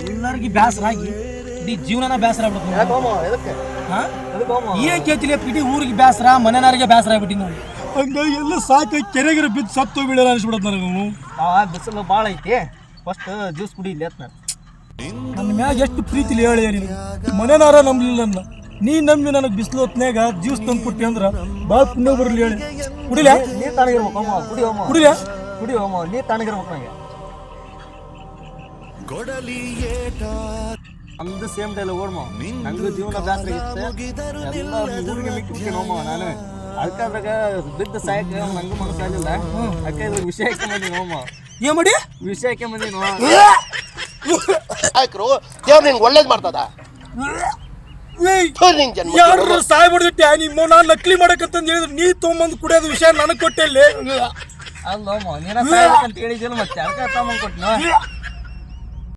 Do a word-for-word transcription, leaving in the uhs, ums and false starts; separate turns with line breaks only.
ಎಲ್ಲರಿಗೂ ಬೇಸರ ಆಗಿ ಇಡೀ ಜೀವನನ ಬೇಸರ ಆಗ್ಬಿಡುತ್ತೆ. ಏನ್ ಕೇಳ್ತಿಲ್ಲ ಇಡೀ ಊರಿಗೆ ಬೇಸರ, ಮನೆಯವರಿಗೆ ಬೇಸರ ಆಗ್ಬಿಟ್ಟಿ ನಾವು. ಹಂಗಾಗಿ ಎಲ್ಲ ಸಾಕು ಕೆರೆಗಿರ ಬಿದ್ದು ಸತ್ತು ಬೀಳಲ್ಲ ಅನ್ಸ್ಬಿಡತ್ ನನಗೆ.
ಬಿಸಿಲು ಭಾಳ ಐತಿ, ಫಸ್ಟ್ ಜ್ಯೂಸ್ ಕುಡಿ ಇಲ್ಲಿ ಅಂತ.
ನನ್ನ ಮ್ಯಾಗ ಎಷ್ಟು ಪ್ರೀತಿಲಿ ಹೇಳಿ ನೀನು, ಮನೆನಾರ ನಂಬಲಿಲ್ಲ ನನ್ನ, ನೀ ನಂಬಿ ನನಗೆ ಬಿಸಿಲು ಹೊತ್ನಾಗ ಜ್ಯೂಸ್ ತಂದು ಕೊಟ್ಟಿ ಅಂದ್ರೆ ಭಾಳ ಪುಣ್ಯ ಬರಲಿ ಹೇಳಿ. ಕುಡಿಲ
ನೀರು ತಣ್ಣಗಿರ್ಬೇಕು ಅಮ್ಮ, ಕುಡಿ ಹೋಮ
ಕುಡಿಲ
ಕುಡಿ ಹೋಮ ನೀರು ತಣ್ಣಗಿರ್ಬೇಕು ನಂಗೆ. ನಮ್ದು ಸೇಮ್ ಡೈಲ ಓಡ್ಮ, ನಂಗೂ ಜೀವನ ಬೇಸರ ಇತ್ತು, ಎಲ್ಲ ಊರಿಗೆ ಮಿಕ್ಕಿ ಹೋಮ ನಾನು. ಅದಕ್ಕಾದಾಗ ಬಿದ್ದ ಸಾಯಕ್ಕೆ ನಂಗೂ ಮನಸ್ಸಾಗಿಲ್ಲ, ಅದಕ್ಕೆ ಇದ್ರ ವಿಷಯ ಹಾಕೊಂಬಂದಿ ಹೋಮ.
ಏನ್ ಮಾಡಿ
ವಿಷಯ ಹಾಕೊಂಬಂದಿ ನೋ
ಆಯ್ಕರು ದೇವ್ರು ನಿನ್ಗೆ ಒಳ್ಳೇದು ಮಾಡ್ತದ.
ಯಾರು ಸಾಯ್ಬಿಡ್ದಿಟ್ಟೆ ನಿಮ್ಮ ನಾನು ನಕಲಿ ಮಾಡಕಂತಂದು ಹೇಳಿದ್ರೆ ನೀ ತೊಗೊಂಬಂದು ಕುಡಿಯೋದು ವಿಷಯ ನನಗೆ ಕೊಟ್ಟೆ.
ಅಲ್ಲೋಮ ನೀನ ಸಾಯ್ಬೇಕಂತ ಹೇಳಿದಿಲ್ಲ, ಮತ್ತೆ ಅದಕ್ಕೆ ತಗೊಂಬಂದು ಕೊಟ್ಟಿನ.